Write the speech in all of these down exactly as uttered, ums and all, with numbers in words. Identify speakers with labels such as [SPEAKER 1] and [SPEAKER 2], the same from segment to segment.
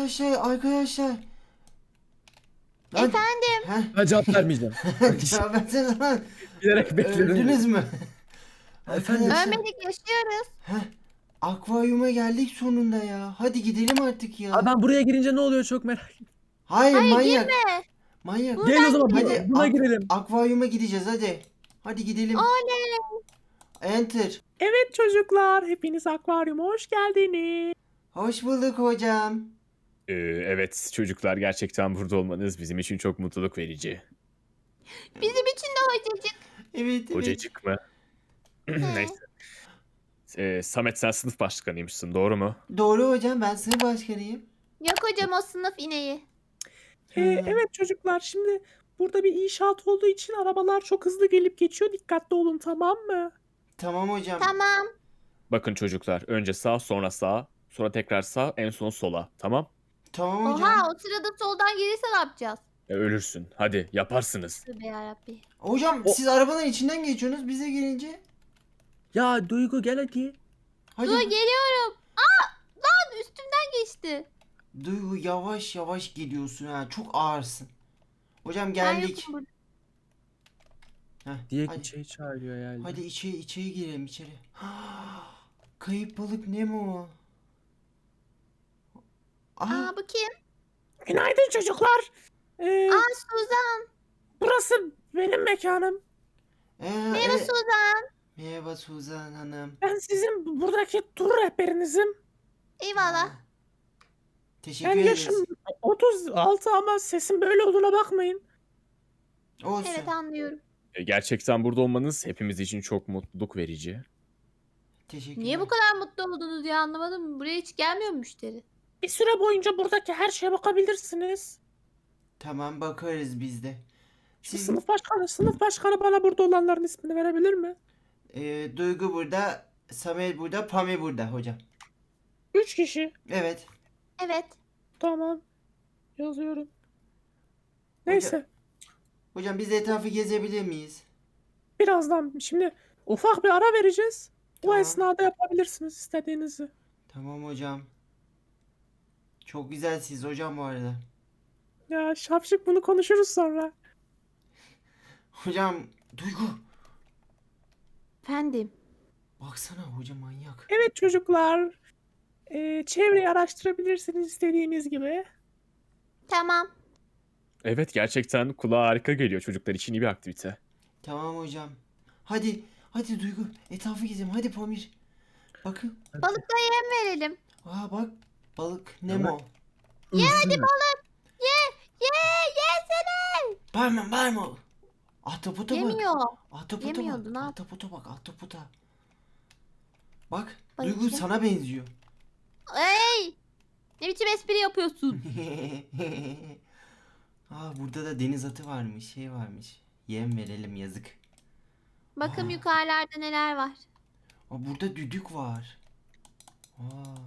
[SPEAKER 1] Arkadaşlar arkadaşlar. Lan,
[SPEAKER 2] Efendim?
[SPEAKER 1] heh.
[SPEAKER 3] Ben cevap vermeyeceğim.
[SPEAKER 1] Cevap versene lan.
[SPEAKER 3] Bilerek bekledim.
[SPEAKER 1] Öldünüz mü?
[SPEAKER 3] Efendim?
[SPEAKER 1] Arkadaşlar,
[SPEAKER 2] Ölmedik, yaşıyoruz.
[SPEAKER 1] heh, akvaryuma geldik sonunda ya. Hadi gidelim artık ya.
[SPEAKER 3] Aa, ben buraya girince ne oluyor çok merak ettim.
[SPEAKER 1] Hayır,
[SPEAKER 2] Hayır,
[SPEAKER 1] manyak.
[SPEAKER 2] girme.
[SPEAKER 1] Manyak.
[SPEAKER 3] Gel o zaman
[SPEAKER 1] Hadi
[SPEAKER 3] buna, buna
[SPEAKER 1] ak-
[SPEAKER 3] girelim.
[SPEAKER 1] akvaryuma gideceğiz hadi. Hadi gidelim.
[SPEAKER 2] Oley.
[SPEAKER 1] Enter.
[SPEAKER 4] Evet çocuklar, hepiniz akvaryuma hoş geldiniz.
[SPEAKER 1] Hoş bulduk hocam.
[SPEAKER 5] Ee, evet çocuklar, gerçekten burada olmanız bizim için çok mutluluk verici.
[SPEAKER 2] Bizim için de hocacık.
[SPEAKER 1] Evet evet.
[SPEAKER 5] Hocacık mı? Neyse. Ee, Samet, sen sınıf başkanıymışsın, doğru mu?
[SPEAKER 1] Doğru hocam, ben sınıf başkanıyım.
[SPEAKER 2] Yok hocam, o sınıf ineği.
[SPEAKER 4] Ee, evet çocuklar, şimdi burada bir inşaat olduğu için arabalar çok hızlı gelip geçiyor. Dikkatli olun, tamam mı?
[SPEAKER 1] Tamam hocam.
[SPEAKER 2] Tamam.
[SPEAKER 5] Bakın çocuklar, önce sağ, sonra sağ, sonra tekrar sağ, en son sola, tamam?
[SPEAKER 1] Tamam hocam.
[SPEAKER 2] Oha, o sırada soldan gelirse ne yapacağız?
[SPEAKER 5] E, ölürsün. Hadi yaparsınız.
[SPEAKER 2] Tövbe yarabbi.
[SPEAKER 1] Hocam
[SPEAKER 3] O-
[SPEAKER 1] siz arabanın içinden geçiyorsunuz bize gelince.
[SPEAKER 3] Ya Duygu gel hadi.
[SPEAKER 1] Hadi.
[SPEAKER 2] Dur, geliyorum. Aa, lan üstümden geçti.
[SPEAKER 1] Duygu, yavaş yavaş geliyorsun ha. Çok ağırsın. Hocam
[SPEAKER 2] Ben
[SPEAKER 1] geldik.
[SPEAKER 2] yokum burada.
[SPEAKER 1] Heh,
[SPEAKER 3] Diye
[SPEAKER 1] hadi.
[SPEAKER 3] içeri çağırıyor yani.
[SPEAKER 1] Hadi içeri içeri girelim içeri. Kayıp balık Nemo. Aa,
[SPEAKER 2] Aa, bu kim?
[SPEAKER 4] Günaydın çocuklar. Ee,
[SPEAKER 2] Aa, Suzan.
[SPEAKER 4] burası benim mekanım.
[SPEAKER 1] ee,
[SPEAKER 2] Merhaba
[SPEAKER 1] evet.
[SPEAKER 2] Suzan.
[SPEAKER 1] Merhaba Suzan Hanım.
[SPEAKER 4] Ben sizin buradaki tur rehberinizim.
[SPEAKER 2] Eyvallah.
[SPEAKER 1] Teşekkür
[SPEAKER 4] Ben
[SPEAKER 1] ederiz.
[SPEAKER 4] yaşım otuz altı ama sesim böyle olduğuna bakmayın.
[SPEAKER 1] Olsun.
[SPEAKER 2] Evet, anlıyorum.
[SPEAKER 5] E, gerçekten burada olmanız hepimiz için çok mutluluk verici.
[SPEAKER 1] Teşekkürler.
[SPEAKER 2] Niye bu kadar mutlu oldunuz ya, anlamadım. Buraya hiç gelmiyor mu müşteri?
[SPEAKER 4] Bir süre boyunca buradaki her şeye bakabilirsiniz.
[SPEAKER 1] Tamam, bakarız biz de.
[SPEAKER 4] Şu
[SPEAKER 1] Siz,
[SPEAKER 4] sınıf başkanı, sınıf başkanı bana burada olanların ismini verebilir mi?
[SPEAKER 1] ee, Duygu burada, Samet burada, Pami burada hocam.
[SPEAKER 4] Üç kişi.
[SPEAKER 1] Evet.
[SPEAKER 2] Evet.
[SPEAKER 4] Tamam. Yazıyorum. Neyse.
[SPEAKER 1] Hocam biz etrafı gezebilir miyiz?
[SPEAKER 4] Birazdan şimdi ufak bir ara vereceğiz. Bu
[SPEAKER 1] Tamam.
[SPEAKER 4] esnada yapabilirsiniz istediğinizi.
[SPEAKER 1] Tamam hocam. Çok güzelsiniz hocam bu arada.
[SPEAKER 4] Ya şapşık, bunu konuşuruz sonra.
[SPEAKER 1] Hocam Duygu,
[SPEAKER 2] Efendim.
[SPEAKER 1] baksana hocam manyak.
[SPEAKER 4] Evet çocuklar. Ee, çevreyi araştırabilirsiniz istediğiniz gibi.
[SPEAKER 2] Tamam.
[SPEAKER 5] Evet, gerçekten kulağa harika geliyor, çocuklar için iyi bir aktivite.
[SPEAKER 1] Tamam hocam. Hadi, hadi Duygu, etrafı gezelim. Hadi Pamir. Bakın.
[SPEAKER 2] Balıklara yem verelim.
[SPEAKER 1] Aa bak, balık Nemo.
[SPEAKER 3] Ye hadi
[SPEAKER 2] Balık. Ye. Ye. Yesene.
[SPEAKER 1] Bağırma, bağırma. Ahtapota bak.
[SPEAKER 2] Yemiyor.
[SPEAKER 1] Ahtapota
[SPEAKER 2] Yemiyordu, ne
[SPEAKER 1] bak.
[SPEAKER 2] yap-
[SPEAKER 1] Ahtapota bak, ahtapota. Bak,
[SPEAKER 2] Bakayım.
[SPEAKER 1] Duygu sana benziyor.
[SPEAKER 2] Ey. Ne biçim espri yapıyorsun?
[SPEAKER 1] Aa burada da deniz atı varmış, şey varmış. Yem verelim, yazık.
[SPEAKER 2] Bakın
[SPEAKER 1] Aa.
[SPEAKER 2] yukarılarda neler var.
[SPEAKER 1] Aa burada düdük var. Aa.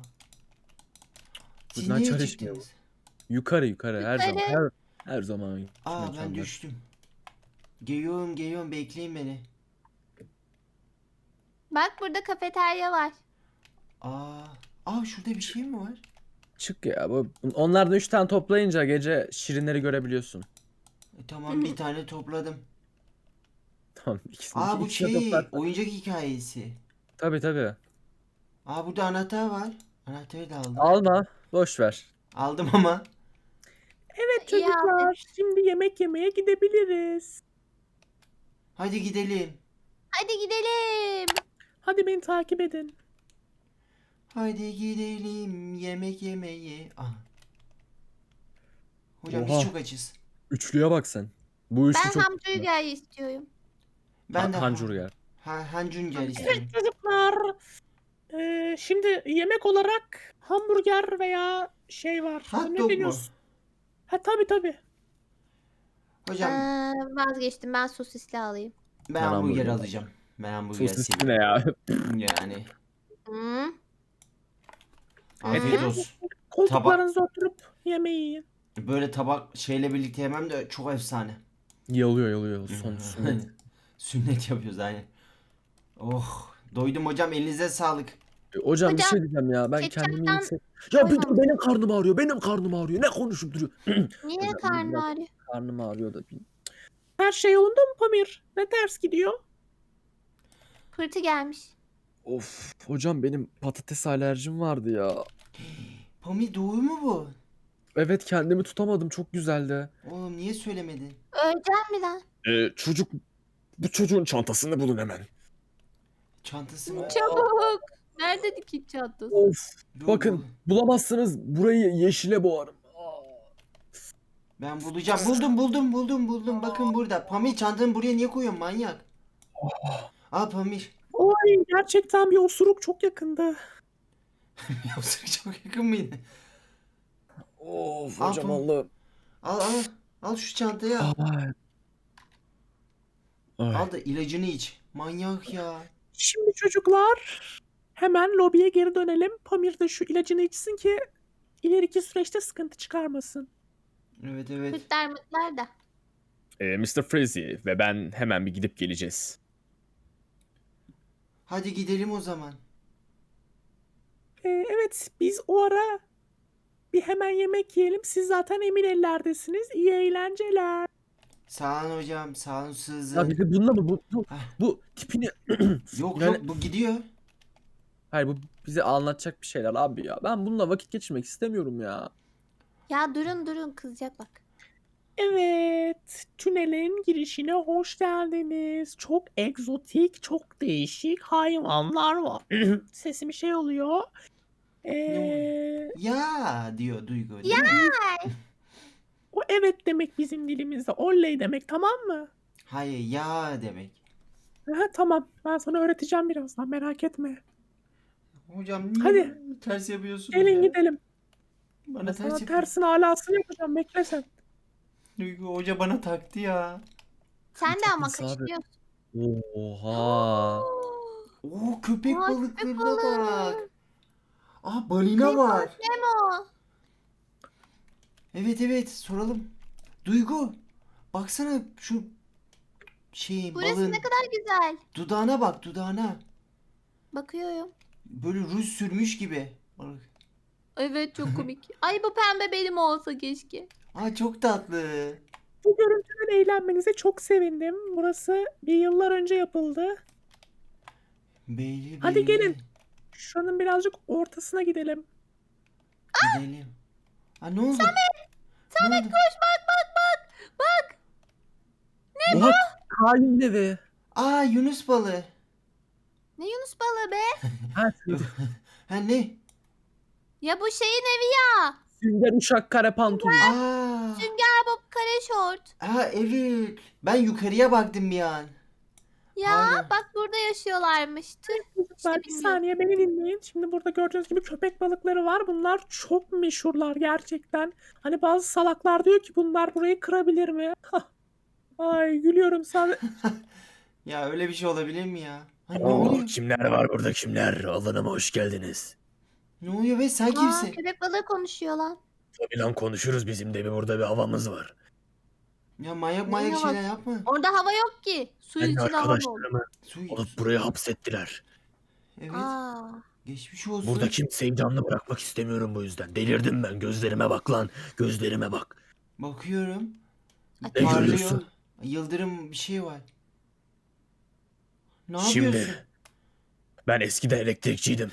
[SPEAKER 1] Siz
[SPEAKER 3] Bunlar
[SPEAKER 1] niye
[SPEAKER 3] çalışmıyor
[SPEAKER 1] çıktınız?
[SPEAKER 3] Yukarı yukarı her zaman.
[SPEAKER 2] Yukarı.
[SPEAKER 3] Her, her zaman.
[SPEAKER 1] Aa ben
[SPEAKER 3] mekanlar.
[SPEAKER 1] düştüm. Geliyorum geliyorum, bekleyin beni.
[SPEAKER 2] Bak, burada kafeterya var.
[SPEAKER 1] Aa, aa şurada bir şey mi var?
[SPEAKER 3] Çık ya. Bu, onlardan üç tane toplayınca gece şirinleri görebiliyorsun.
[SPEAKER 1] E, tamam bir tane topladım.
[SPEAKER 3] Tamam ikisini.
[SPEAKER 1] Aa bu
[SPEAKER 3] ikisini
[SPEAKER 1] şey
[SPEAKER 3] toplar.
[SPEAKER 1] oyuncak hikayesi.
[SPEAKER 3] Tabii tabii.
[SPEAKER 1] Aa burada anahtar var. Anahtarı da aldım.
[SPEAKER 3] Alma. Boş ver.
[SPEAKER 1] Aldım ama.
[SPEAKER 4] Evet
[SPEAKER 2] İyi
[SPEAKER 4] çocuklar, şimdi yemek yemeye gidebiliriz.
[SPEAKER 1] Hadi gidelim.
[SPEAKER 2] Hadi gidelim.
[SPEAKER 4] Hadi beni takip edin.
[SPEAKER 1] Hadi gidelim yemek yemeye. Aha. Hocam
[SPEAKER 3] Oha.
[SPEAKER 1] biz çok açız.
[SPEAKER 3] Üçlüye bak sen. Bu üçlü
[SPEAKER 2] Ben
[SPEAKER 3] çok
[SPEAKER 2] hamburger istiyorum.
[SPEAKER 1] Ben de
[SPEAKER 3] Hancurger.
[SPEAKER 1] Ha, hancuncer istiyorum.
[SPEAKER 4] Evet çocuklar. Ee, şimdi yemek olarak hamburger veya şey var.
[SPEAKER 1] Hot
[SPEAKER 4] Ne
[SPEAKER 1] dog mu?
[SPEAKER 4] biliyorsun? Ha tabii tabii.
[SPEAKER 1] Hocam
[SPEAKER 2] Ee, vazgeçtim, ben sosisli alayım.
[SPEAKER 1] ben
[SPEAKER 3] Ben
[SPEAKER 1] hamburger
[SPEAKER 3] hamburger
[SPEAKER 1] alacağım. Ben hamburger
[SPEAKER 3] Sosisli
[SPEAKER 1] seviyorum.
[SPEAKER 3] ne ya?
[SPEAKER 1] Yani.
[SPEAKER 2] Hı.
[SPEAKER 1] Afiyet
[SPEAKER 2] Hı.
[SPEAKER 1] olsun.
[SPEAKER 4] Koltuklarınıza oturup yemeği yiyin.
[SPEAKER 1] Böyle tabak şeyle birlikte yemem de çok efsane.
[SPEAKER 3] Yalıyor yalıyor. Son sünnet.
[SPEAKER 1] Sünnet yapıyoruz aynen. Oh, doydum hocam, elinize sağlık.
[SPEAKER 3] E, Hocam bir
[SPEAKER 2] Hocam,
[SPEAKER 3] şey diyeceğim ya. Ben
[SPEAKER 2] ketçaptan
[SPEAKER 3] kendimi yüksek... Ya bir dur,
[SPEAKER 2] koymamış.
[SPEAKER 3] benim karnım ağrıyor. Benim karnım ağrıyor. Ne konuşup duruyor?
[SPEAKER 2] Niye
[SPEAKER 3] Hocam,
[SPEAKER 2] karnı
[SPEAKER 3] biraz
[SPEAKER 2] ağrıyor?
[SPEAKER 3] karnım ağrıyor da.
[SPEAKER 4] Her şey yolunda mı Pamir? Ne ters gidiyor?
[SPEAKER 2] Pırtı gelmiş.
[SPEAKER 3] Of hocam benim patates alerjim vardı ya.
[SPEAKER 1] Pamir doğru mu bu?
[SPEAKER 3] Evet kendimi tutamadım. Çok güzeldi.
[SPEAKER 1] Oğlum niye söylemedin?
[SPEAKER 2] Öleceğim mi lan?
[SPEAKER 5] Ee, çocuk bu çocuğun çantasını bulun hemen.
[SPEAKER 1] Çantası mı?
[SPEAKER 2] Çabuk. Nerede dikiş çantası?
[SPEAKER 3] Of.
[SPEAKER 1] Dur,
[SPEAKER 3] Bakın
[SPEAKER 1] bul.
[SPEAKER 3] bulamazsınız. Burayı yeşile boğarım. Aa.
[SPEAKER 1] Ben bulacağım. Buldum buldum buldum buldum. Bakın burada. Pamir çantanı buraya niye koyuyorsun manyak? Al Pamir.
[SPEAKER 4] Oy gerçekten bir osuruk çok yakında.
[SPEAKER 1] Yoksa çok yakın mıydı?
[SPEAKER 3] Of
[SPEAKER 1] Al
[SPEAKER 3] hocam
[SPEAKER 1] Pamir.
[SPEAKER 3] Allah'ım.
[SPEAKER 1] Al al. Al şu çantayı al.
[SPEAKER 3] Ay. Ay.
[SPEAKER 1] Al da ilacını iç. Manyak ya.
[SPEAKER 4] Şimdi çocuklar hemen lobiye geri dönelim. Pamir de şu ilacını içsin ki ileriki süreçte sıkıntı çıkarmasın.
[SPEAKER 1] Evet evet.
[SPEAKER 2] Pırtlar mırtlar da.
[SPEAKER 5] Ee, mister Freezy ve ben hemen bir gidip geleceğiz.
[SPEAKER 1] Hadi gidelim o zaman.
[SPEAKER 4] Ee, evet biz o ara bir hemen yemek yiyelim. Siz zaten emin ellerdesiniz. İyi eğlenceler.
[SPEAKER 1] Sağ olun hocam. Sağ olun
[SPEAKER 3] Ya
[SPEAKER 1] Sızın.
[SPEAKER 3] bizi bununla mı? Bu, bu,
[SPEAKER 1] Heh.
[SPEAKER 3] bu tipini...
[SPEAKER 1] Yok
[SPEAKER 3] Yani-
[SPEAKER 1] yok bu gidiyor.
[SPEAKER 3] Hayır bu bize anlatacak bir şeyler abi ya. Ben bununla vakit geçirmek istemiyorum ya.
[SPEAKER 2] Ya durun durun kızacak bak.
[SPEAKER 4] Evet, tünelin girişine hoş geldiniz. Çok egzotik, çok değişik hayvanlar var. Sesim şey oluyor. Ee,
[SPEAKER 1] Ya diyor Duygu değil mi?
[SPEAKER 4] o evet demek bizim dilimizde. Oley demek, tamam mı?
[SPEAKER 1] Hayır ya demek.
[SPEAKER 4] Aha, tamam, ben sana öğreteceğim birazdan, merak etme.
[SPEAKER 1] Hocam niye
[SPEAKER 4] Hadi.
[SPEAKER 1] ters yapıyorsun?
[SPEAKER 4] Gelin gidelim.
[SPEAKER 1] Bana
[SPEAKER 4] Ben
[SPEAKER 1] ters
[SPEAKER 4] sana
[SPEAKER 1] yapıyor.
[SPEAKER 4] tersini alasını yapacağım, bekle sen.
[SPEAKER 1] Duygu hoca bana taktı ya.
[SPEAKER 2] Sen de ama
[SPEAKER 3] Tatlısı abi.
[SPEAKER 2] kaçırıyorsun.
[SPEAKER 3] Oha.
[SPEAKER 1] Oo köpek
[SPEAKER 2] Aa, köpek
[SPEAKER 1] balıklarına
[SPEAKER 2] balığı.
[SPEAKER 1] bak. Aa balina var.
[SPEAKER 2] Nemo.
[SPEAKER 1] Evet evet soralım. Duygu baksana şu şeyin
[SPEAKER 2] Burası
[SPEAKER 1] balığın
[SPEAKER 2] ne kadar güzel.
[SPEAKER 1] dudağına bak dudağına.
[SPEAKER 2] Bakıyorum.
[SPEAKER 1] Böyle ruj sürmüş gibi. Balık.
[SPEAKER 2] Evet çok komik. Ay bu pembe benim olsa keşke.
[SPEAKER 1] Aa çok tatlı.
[SPEAKER 4] Bu görüntüden eğlenmenize çok sevindim. Burası bir yıllar önce yapıldı.
[SPEAKER 1] Beyli
[SPEAKER 4] Hadi
[SPEAKER 1] beyli.
[SPEAKER 4] gelin. Şuranın birazcık ortasına gidelim.
[SPEAKER 1] Gidelim. Aa ne oldu? Samet. Samet
[SPEAKER 2] Koş bak bak bak. Bak.
[SPEAKER 3] Oha. Kain evi.
[SPEAKER 1] Aa Yunus balığı.
[SPEAKER 2] Ne Yunus balığı be?
[SPEAKER 3] Ha,
[SPEAKER 1] Ha ne?
[SPEAKER 2] Ya bu şeyin evi ya.
[SPEAKER 3] Sünger uşak kare pantolon.
[SPEAKER 1] Aa.
[SPEAKER 2] Sünger Bob kare şort.
[SPEAKER 1] Aa evet. Ben yukarıya baktım bir an.
[SPEAKER 2] Ya
[SPEAKER 1] Aynen.
[SPEAKER 2] bak burada yaşıyorlarmış. Tüh.
[SPEAKER 4] Çocuklar bir
[SPEAKER 2] bilmiyorum.
[SPEAKER 4] saniye beni dinleyin. Şimdi burada gördüğünüz gibi köpek balıkları var. Bunlar çok meşhurlar gerçekten. Hani bazı salaklar diyor ki bunlar burayı kırabilir mi? Hah. Ay gülüyorum sen.
[SPEAKER 1] Ya öyle bir şey olabilir mi ya? Ha, ne
[SPEAKER 5] Oo,
[SPEAKER 1] oluyor?
[SPEAKER 5] kimler var burada kimler? Alanıma hoş geldiniz.
[SPEAKER 1] Ne oluyor be sen
[SPEAKER 2] Aa,
[SPEAKER 1] kimsin?
[SPEAKER 2] köpek balığı konuşuyor lan.
[SPEAKER 5] Tabii lan konuşuruz, bizim de bir burada bir havamız var.
[SPEAKER 1] Ya manyak
[SPEAKER 2] Ne
[SPEAKER 1] manyak
[SPEAKER 2] var?
[SPEAKER 1] şeyler yapma.
[SPEAKER 2] Orada hava yok ki. Suyun
[SPEAKER 5] Ben de
[SPEAKER 2] içinde hava mı olur?
[SPEAKER 5] arkadaşlarımı
[SPEAKER 1] Su
[SPEAKER 5] alıp buraya hapsettiler.
[SPEAKER 1] Evet.
[SPEAKER 2] Aa.
[SPEAKER 1] Geçmiş olsun.
[SPEAKER 5] Burada kimseyi canlı bırakmak istemiyorum bu yüzden. Delirdim ben, gözlerime bak lan. Gözlerime bak.
[SPEAKER 1] Bakıyorum.
[SPEAKER 2] Ay,
[SPEAKER 5] Ne
[SPEAKER 1] Parlıyor.
[SPEAKER 5] görüyorsun?
[SPEAKER 1] Yıldırım bir şey var. Ne
[SPEAKER 5] Şimdi
[SPEAKER 1] yapıyorsun?
[SPEAKER 5] ben eskiden elektrikçiydim.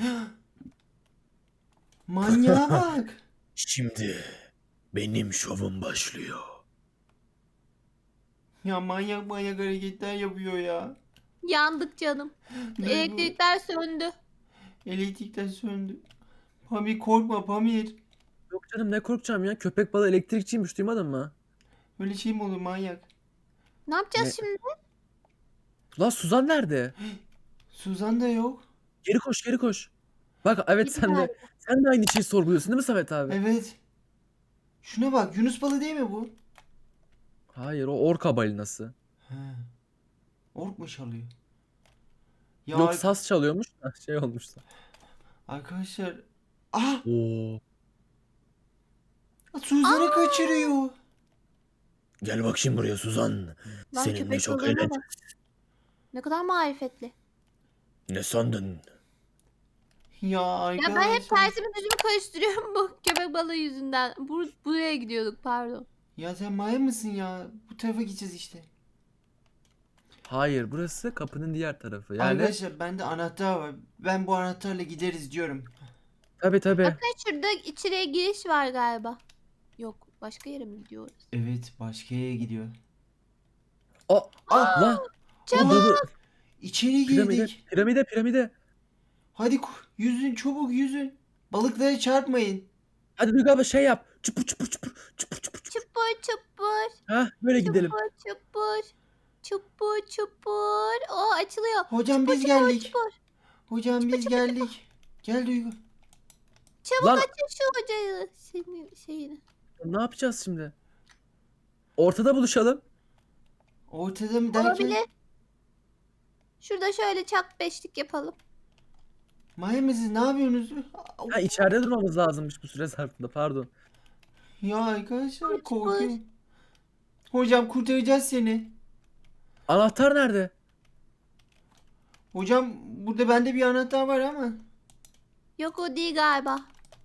[SPEAKER 1] Manyağa bak.
[SPEAKER 5] Şimdi benim şovum başlıyor.
[SPEAKER 1] Ya manyak manyak hareketler yapıyor ya.
[SPEAKER 2] Yandık canım.
[SPEAKER 1] Duygu,
[SPEAKER 2] Elektrikler söndü.
[SPEAKER 1] Elektrikler söndü. Pamir korkma Pamir.
[SPEAKER 3] Yok canım ne korkacağım ya. Köpek balığı elektrikçiymiş duymadın mı?
[SPEAKER 1] Öyle şey mi olur manyak?
[SPEAKER 2] Ne yapacağız
[SPEAKER 3] Ne?
[SPEAKER 2] şimdi?
[SPEAKER 3] Lan Suzan nerede?
[SPEAKER 1] Suzan da yok.
[SPEAKER 3] Geri koş geri koş. Bak evet
[SPEAKER 2] Gidin
[SPEAKER 3] sen de
[SPEAKER 2] galiba.
[SPEAKER 3] sen de aynı şeyi sorguluyorsun değil mi Samet abi?
[SPEAKER 1] Evet. Şuna bak Yunus balığı değil mi bu?
[SPEAKER 3] Hayır o orka balinası.
[SPEAKER 1] He. Ork mu çalıyor? Ya
[SPEAKER 3] Yok
[SPEAKER 1] ar-
[SPEAKER 3] saz çalıyormuş da şey olmuş da.
[SPEAKER 1] arkadaşlar. Ah!
[SPEAKER 3] Oo.
[SPEAKER 1] Suzan'ı kaçırıyor.
[SPEAKER 5] Gel bak şimdi buraya Suzan.
[SPEAKER 2] Lan
[SPEAKER 5] Seninle
[SPEAKER 2] köpek
[SPEAKER 5] çok
[SPEAKER 2] balığına
[SPEAKER 5] eğleneceğiz.
[SPEAKER 2] bak. Ne kadar marifetli.
[SPEAKER 5] Ne sandın?
[SPEAKER 1] Ya
[SPEAKER 2] Ya
[SPEAKER 1] arkadaşlar.
[SPEAKER 2] ben hep tersimi düzümü karıştırıyorum bu köpek balığı yüzünden. Bur buraya gidiyorduk pardon.
[SPEAKER 1] Ya sen maya mısın ya? Bu tarafa gideceğiz işte.
[SPEAKER 3] Hayır, burası kapının diğer tarafı. Yani
[SPEAKER 1] Arkadaşlar bende anahtar var. Ben bu anahtarla gideriz diyorum.
[SPEAKER 3] tabii tabii.
[SPEAKER 2] Bakın şurada içeriye giriş var galiba. Yok başka yere mi gidiyoruz?
[SPEAKER 1] Evet, başka yere gidiyor.
[SPEAKER 3] O
[SPEAKER 1] Ah,
[SPEAKER 3] lan.
[SPEAKER 2] Çabuk.
[SPEAKER 3] Dur, dur.
[SPEAKER 1] içeri
[SPEAKER 3] Piramide,
[SPEAKER 1] girdik.
[SPEAKER 3] piramide, piramide.
[SPEAKER 1] Hadi ku- yüzün, çabuk yüzün. Balıklara çarpmayın.
[SPEAKER 3] Hadi Duygu abla şey yap. Çupur çupur çupur çupur çupur. çupur.
[SPEAKER 2] Çupur çupur.
[SPEAKER 3] Ha, böyle gidelim.
[SPEAKER 2] Çupur çupur. Çupur çupur. O açılıyor.
[SPEAKER 1] Hocam
[SPEAKER 2] Çupur
[SPEAKER 1] biz
[SPEAKER 2] çupur
[SPEAKER 1] geldik.
[SPEAKER 2] çupur.
[SPEAKER 1] Hocam biz geldik. Gel Duygu.
[SPEAKER 2] Çabuk
[SPEAKER 3] Lan
[SPEAKER 2] açın şu hocayı. Senin şeyini.
[SPEAKER 3] ne yapacağız şimdi? Ortada buluşalım.
[SPEAKER 1] Ortada mı derken?
[SPEAKER 2] Olabilir. Şurada şöyle çak beşlik yapalım.
[SPEAKER 1] Maya mısınız? Ne yapıyorsunuz?
[SPEAKER 3] Ha, içeride durmamız lazımmış bu süre zarfında. Pardon.
[SPEAKER 1] Ya arkadaşlar
[SPEAKER 2] Kaç
[SPEAKER 1] korkuyorum. Hocam kurtaracağız seni.
[SPEAKER 3] Anahtar nerede?
[SPEAKER 1] Hocam burada bende bir anahtar var ama.
[SPEAKER 2] Yok o değil galiba.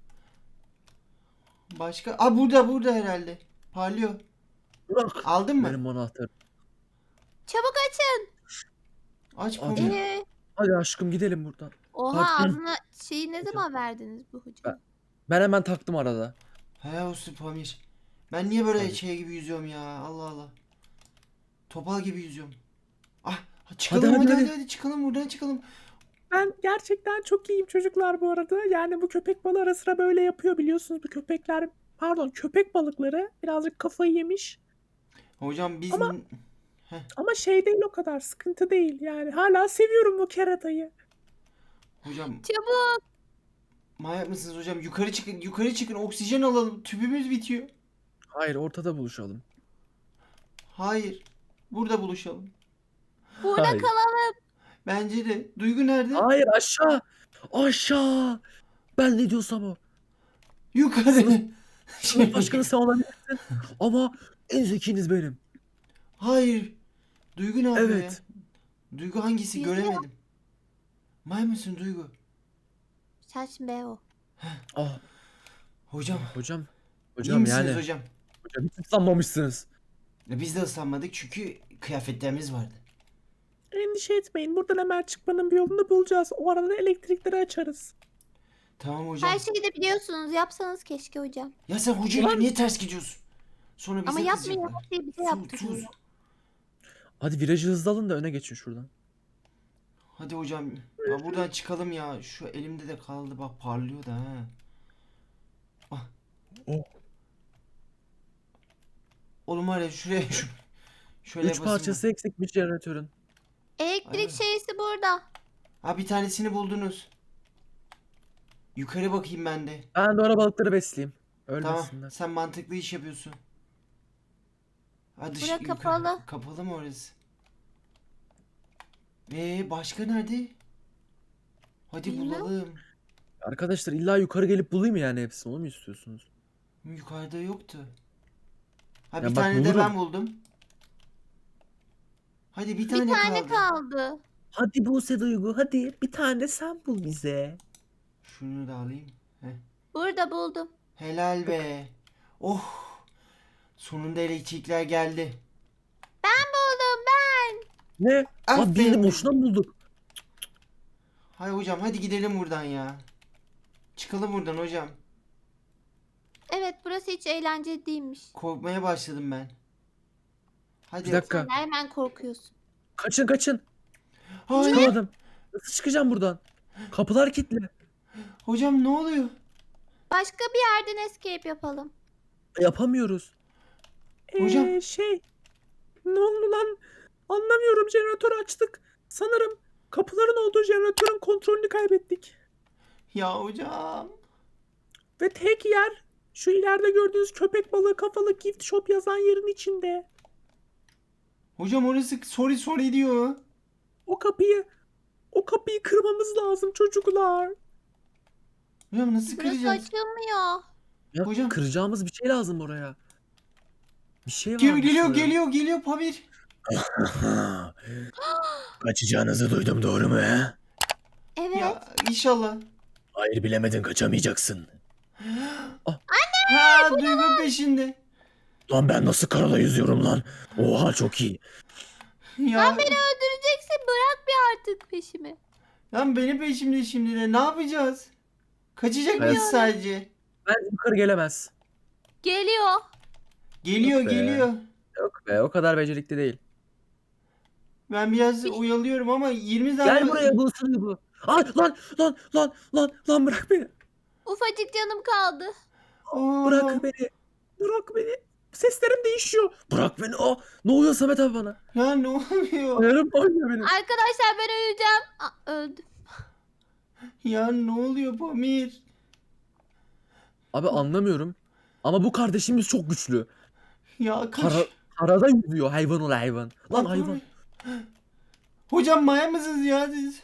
[SPEAKER 1] Başka? Aa burada burada herhalde. Parlıyor.
[SPEAKER 3] Bırak.
[SPEAKER 1] Aldın mı?
[SPEAKER 3] Benim anahtarım.
[SPEAKER 2] Çabuk açın.
[SPEAKER 1] Aç
[SPEAKER 3] Hadi.
[SPEAKER 1] Pamir.
[SPEAKER 2] Ee,
[SPEAKER 3] Hadi aşkım gidelim buradan.
[SPEAKER 2] oha
[SPEAKER 3] Pardon.
[SPEAKER 2] ağzına şeyi ne zaman verdiniz bu hocam?
[SPEAKER 3] Ben- Ben hemen taktım arada.
[SPEAKER 1] He olsun Pamir. Ben niye böyle
[SPEAKER 3] Hadi.
[SPEAKER 1] şey gibi yüzüyorum ya? Allah Allah. Topal gibi yüzüyorum. Ah çıkalım
[SPEAKER 3] Hadi,
[SPEAKER 1] hadi
[SPEAKER 3] hadi,
[SPEAKER 1] hadi,
[SPEAKER 3] hadi.
[SPEAKER 1] hadi çıkalım buradan çıkalım.
[SPEAKER 4] Ben gerçekten çok iyiyim çocuklar bu arada. Yani bu köpek balığı ara sıra böyle yapıyor biliyorsunuz. Bu köpekler, pardon köpek balıkları birazcık kafayı yemiş.
[SPEAKER 1] Hocam biz
[SPEAKER 4] Ama- Ama şey değil, o kadar sıkıntı değil. Yani hala seviyorum bu keratayı.
[SPEAKER 1] hocam
[SPEAKER 2] Çabuk.
[SPEAKER 1] manyak mısınız hocam? Yukarı çıkın yukarı çıkın oksijen alalım. Tüpümüz bitiyor.
[SPEAKER 3] Hayır, ortada buluşalım.
[SPEAKER 1] Hayır. Burada buluşalım.
[SPEAKER 2] Burada
[SPEAKER 3] Hayır.
[SPEAKER 2] kalalım.
[SPEAKER 1] Bence de. Duygu nerede?
[SPEAKER 3] Hayır, aşağı. Aşağı. Ben ne diyorsam o.
[SPEAKER 1] Yukarı.
[SPEAKER 3] Sınıf başkanı sen olabilirsin. Ama en zekiniz benim.
[SPEAKER 1] Hayır. Duygu ne yapıyor
[SPEAKER 3] Evet.
[SPEAKER 1] ya? Duygu hangisi?
[SPEAKER 2] Yüzüyor.
[SPEAKER 1] Göremedim. May mısın Duygu?
[SPEAKER 2] Sensin be o.
[SPEAKER 3] Ah,
[SPEAKER 1] Hocam.
[SPEAKER 3] hocam.
[SPEAKER 1] iyi
[SPEAKER 3] Hocam
[SPEAKER 1] misiniz
[SPEAKER 3] yani.
[SPEAKER 1] hocam?
[SPEAKER 3] Hocam hiç ıslanmamışsınız.
[SPEAKER 1] Ya biz de ıslanmadık çünkü kıyafetlerimiz vardı.
[SPEAKER 4] Endişe etmeyin. Buradan hemen çıkmanın bir yolunu bulacağız. O arada da elektrikleri açarız.
[SPEAKER 1] Tamam hocam.
[SPEAKER 2] Her şeyi de biliyorsunuz. Yapsanız keşke hocam.
[SPEAKER 1] Ya sen hocayla niye ters gidiyorsun? Sonra bize
[SPEAKER 2] Ama yapmıyor.
[SPEAKER 1] kızacaklar.
[SPEAKER 2] Her şeyi bize
[SPEAKER 1] Sus,
[SPEAKER 2] yaptırıyor.
[SPEAKER 1] sus.
[SPEAKER 3] Hadi virajı hızlı alın da öne geçin şuradan.
[SPEAKER 1] Hadi hocam. Ya buradan çıkalım ya. Şu elimde de kaldı bak parlıyor da ha. Ah.
[SPEAKER 3] Oh.
[SPEAKER 1] Oğlum var ya şuraya şu, şöyle
[SPEAKER 3] Üç
[SPEAKER 1] yapasın
[SPEAKER 3] parçası eksikmiş jeneratörün.
[SPEAKER 2] Elektrik
[SPEAKER 1] Aynen.
[SPEAKER 2] şeysi burada.
[SPEAKER 1] Ha bir tanesini buldunuz. Yukarı bakayım ben de.
[SPEAKER 3] Ben de ona balıkları besleyeyim.
[SPEAKER 1] Tamam.
[SPEAKER 3] Ölmesinler.
[SPEAKER 1] Sen mantıklı iş yapıyorsun. Ha dış,
[SPEAKER 2] Bura
[SPEAKER 1] yukarı-
[SPEAKER 2] kapalı.
[SPEAKER 1] Kapalı mı orası? Ee başka nerede? Hadi
[SPEAKER 2] Bilmem.
[SPEAKER 1] bulalım.
[SPEAKER 3] Arkadaşlar illa yukarı gelip bulayım mı yani hepsini? Onu mu istiyorsunuz?
[SPEAKER 1] Yukarıda yoktu. Ha
[SPEAKER 3] Ya
[SPEAKER 1] bir
[SPEAKER 3] bak
[SPEAKER 1] tane de
[SPEAKER 3] bulurum.
[SPEAKER 1] ben buldum. Hadi bir tane,
[SPEAKER 2] Bir tane
[SPEAKER 1] kaldı.
[SPEAKER 2] kaldı.
[SPEAKER 3] Hadi Buse Duygu, hadi bir tane sen bul bize.
[SPEAKER 1] Şunu da alayım.
[SPEAKER 2] Burada buldum.
[SPEAKER 1] Helal be. Oh. Sonunda elektrikler geldi.
[SPEAKER 2] Ben buldum ben.
[SPEAKER 3] Ne?
[SPEAKER 1] Aferin.
[SPEAKER 3] Lan birini boşuna mı bulduk?
[SPEAKER 1] Hay hocam hadi gidelim buradan ya. Çıkalım buradan hocam.
[SPEAKER 2] Evet burası hiç eğlenceli değilmiş.
[SPEAKER 1] Korkmaya başladım ben. Hadi.
[SPEAKER 3] Bir dakika.
[SPEAKER 2] Sen de hemen korkuyorsun.
[SPEAKER 3] Kaçın kaçın.
[SPEAKER 1] Hayır.
[SPEAKER 3] Çıkamadım. Nasıl çıkacağım buradan? Kapılar kilitli.
[SPEAKER 1] Hocam ne oluyor?
[SPEAKER 2] Başka bir yerden escape yapalım.
[SPEAKER 3] Yapamıyoruz.
[SPEAKER 4] Ee,
[SPEAKER 1] Hocam.
[SPEAKER 4] şey. Ne oldu lan? Anlamıyorum. Jeneratörü açtık. Sanırım kapıların olduğu jeneratörün kontrolünü kaybettik.
[SPEAKER 1] Ya hocam.
[SPEAKER 4] Ve tek yer şu ileride gördüğünüz köpek balığı kafalı gift shop yazan yerin içinde.
[SPEAKER 1] Hocam orası sorry sorry diyor.
[SPEAKER 4] O kapıyı o kapıyı kırmamız lazım çocuklar.
[SPEAKER 1] Hocam nasıl
[SPEAKER 2] Burası
[SPEAKER 1] kıracağız?
[SPEAKER 2] açılmıyor.
[SPEAKER 3] Ya
[SPEAKER 1] Hocam.
[SPEAKER 3] kıracağımız bir şey lazım oraya. Bir şey var.
[SPEAKER 1] Gel- geliyor geliyor geliyor Pamir.
[SPEAKER 3] Kaçacağınızı duydum, doğru mu he?
[SPEAKER 2] Evet.
[SPEAKER 1] Ya inşallah.
[SPEAKER 3] Hayır bilemedin kaçamayacaksın.
[SPEAKER 1] Ha Duygu peşinde.
[SPEAKER 3] Lan ben nasıl karada yüzüyorum lan? Oha çok iyi.
[SPEAKER 1] Ya,
[SPEAKER 2] Lan beni öldüreceksin. Bırak bir artık peşimi.
[SPEAKER 1] lan beni peşimde şimdi de ne yapacağız? Kaçacak
[SPEAKER 3] Ben-
[SPEAKER 1] mıyız sadece?
[SPEAKER 3] Ben yukarı gelemez.
[SPEAKER 2] Geliyor.
[SPEAKER 1] Geliyor
[SPEAKER 3] Yok be.
[SPEAKER 1] geliyor.
[SPEAKER 3] Yok be o kadar becerikli değil.
[SPEAKER 1] Ben biraz uyalıyorum ama yirmi tane...
[SPEAKER 3] Gel buraya bu ısırıyor bu. Ay lan lan lan lan lan bırak beni.
[SPEAKER 2] Ufacık canım kaldı.
[SPEAKER 1] Oo.
[SPEAKER 3] Bırak beni. Bırak beni. Seslerim değişiyor. Bırak beni. Aa, ne oluyor Samet abi bana?
[SPEAKER 1] Ya ne oluyor?
[SPEAKER 3] Ayarım oynuyor benim.
[SPEAKER 2] Arkadaşlar ben öleceğim. Aa, öldüm.
[SPEAKER 1] Ya ne oluyor Pamir?
[SPEAKER 3] Abi anlamıyorum. Ama bu kardeşimiz çok güçlü.
[SPEAKER 1] Ya kaç...
[SPEAKER 3] Kara, karada yüzüyor hayvan ol hayvan. Lan
[SPEAKER 1] Lan
[SPEAKER 3] hayvan.
[SPEAKER 1] Pamir. Hocam maya mısınız ya siz?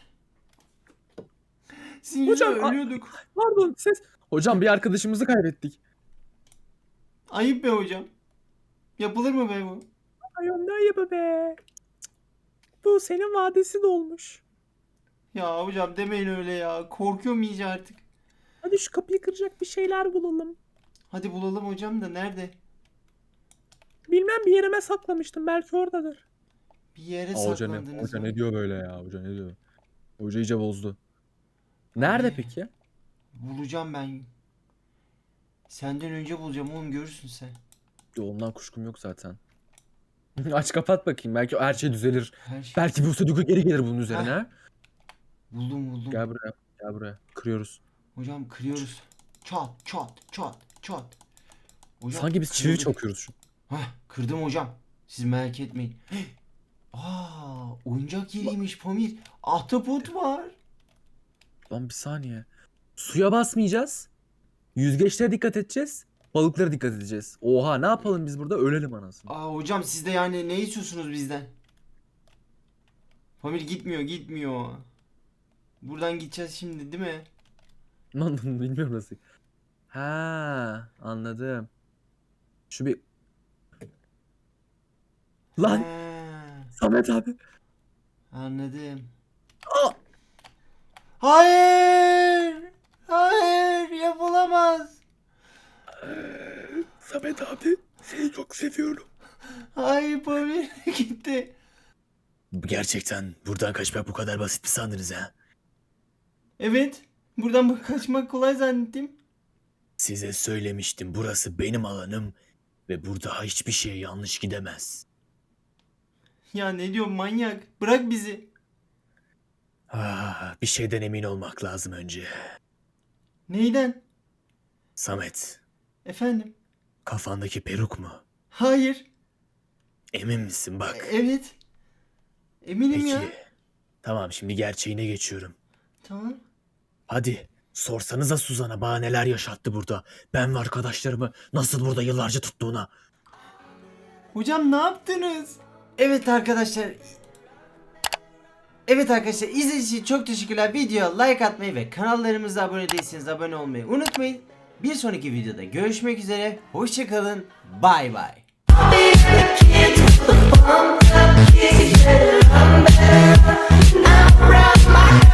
[SPEAKER 1] Sizin
[SPEAKER 3] Hocam,
[SPEAKER 1] yüzünden
[SPEAKER 3] a-
[SPEAKER 1] ölüyorduk.
[SPEAKER 3] Pardon ses. Hocam bir arkadaşımızı kaybettik.
[SPEAKER 1] Ayıp be hocam. Yapılır mı be bu?
[SPEAKER 4] Ay ne ayıbı be. Bu senin vadesi dolmuş.
[SPEAKER 1] Ya hocam demeyin öyle ya. Korkuyorum iyice artık.
[SPEAKER 4] Hadi şu kapıyı kıracak bir şeyler bulalım.
[SPEAKER 1] Hadi bulalım hocam da nerede?
[SPEAKER 4] Bilmem bir yerime saklamıştım. Belki oradadır.
[SPEAKER 1] Bir yere
[SPEAKER 3] Aa, hoca ne,
[SPEAKER 1] saklandınız
[SPEAKER 3] hoca
[SPEAKER 1] mı?
[SPEAKER 3] ne diyor böyle ya? Hoca ne diyor? Hoca iyice bozdu. Nerede
[SPEAKER 1] Abi.
[SPEAKER 3] peki?
[SPEAKER 1] Bulacağım ben. Senden önce bulacağım oğlum görürsün sen.
[SPEAKER 3] Yo, ondan kuşkum yok zaten. Aç kapat bakayım. Belki her şey düzelir.
[SPEAKER 1] Her şey.
[SPEAKER 3] Belki bu Sudoku geri gelir bunun üzerine. ha?
[SPEAKER 1] Buldum buldum.
[SPEAKER 3] Gel buraya. Gel buraya. Kırıyoruz.
[SPEAKER 1] Hocam kırıyoruz. Çat çat çat çat. Hocam,
[SPEAKER 3] Sanki biz çivi
[SPEAKER 1] kırıldı.
[SPEAKER 3] çakıyoruz şu.
[SPEAKER 1] Hah kırdım hocam. Siz merak etmeyin. Aa oyuncak yeriymiş Pamir. Ahtapot var.
[SPEAKER 3] Lan bir saniye. Suya basmayacağız. Yüzgeçlere dikkat edeceğiz. Balıklara dikkat edeceğiz. Oha ne yapalım biz burada? Ölelim anasını.
[SPEAKER 1] Aa hocam siz de yani ne istiyorsunuz bizden? Pamir gitmiyor gitmiyor. Buradan gideceğiz şimdi değil mi?
[SPEAKER 3] Lan bilmiyorum nasıl. Ha anladım. Şu bir... Lan
[SPEAKER 1] Ha,
[SPEAKER 3] Samet abi.
[SPEAKER 1] anladım.
[SPEAKER 3] Aa!
[SPEAKER 1] Hayır! Hayır yapılamaz.
[SPEAKER 3] Samet abi seni çok seviyorum.
[SPEAKER 1] Hayır Pamir gitti.
[SPEAKER 3] Gerçekten buradan kaçmak bu kadar basit mi sandınız ha?
[SPEAKER 1] Evet. Buradan bak kaçmak kolay zannettim.
[SPEAKER 3] Size söylemiştim burası benim alanım ve burada hiçbir şey yanlış gidemez.
[SPEAKER 1] Ya ne diyorsun manyak? Bırak bizi.
[SPEAKER 3] Ah, bir şeyden emin olmak lazım önce.
[SPEAKER 1] Neyden?
[SPEAKER 3] Samet,
[SPEAKER 1] Efendim?
[SPEAKER 3] kafandaki peruk mu?
[SPEAKER 1] Hayır.
[SPEAKER 3] Emin misin bak?
[SPEAKER 1] Evet. Eminim
[SPEAKER 3] Peki.
[SPEAKER 1] ya.
[SPEAKER 3] Tamam şimdi gerçeğine geçiyorum.
[SPEAKER 1] Tamam.
[SPEAKER 3] Hadi sorsanıza Suzan'a bana neler yaşattı burada. Ben ve arkadaşlarımı nasıl burada yıllarca tuttuğuna.
[SPEAKER 1] Hocam ne yaptınız? Evet arkadaşlar. Evet arkadaşlar izlediğiniz için çok teşekkürler. Videoya like atmayı ve kanallarımıza abone değilseniz abone olmayı unutmayın. Bir sonraki videoda görüşmek üzere. Hoşçakalın. Bay bay.
[SPEAKER 6] I'm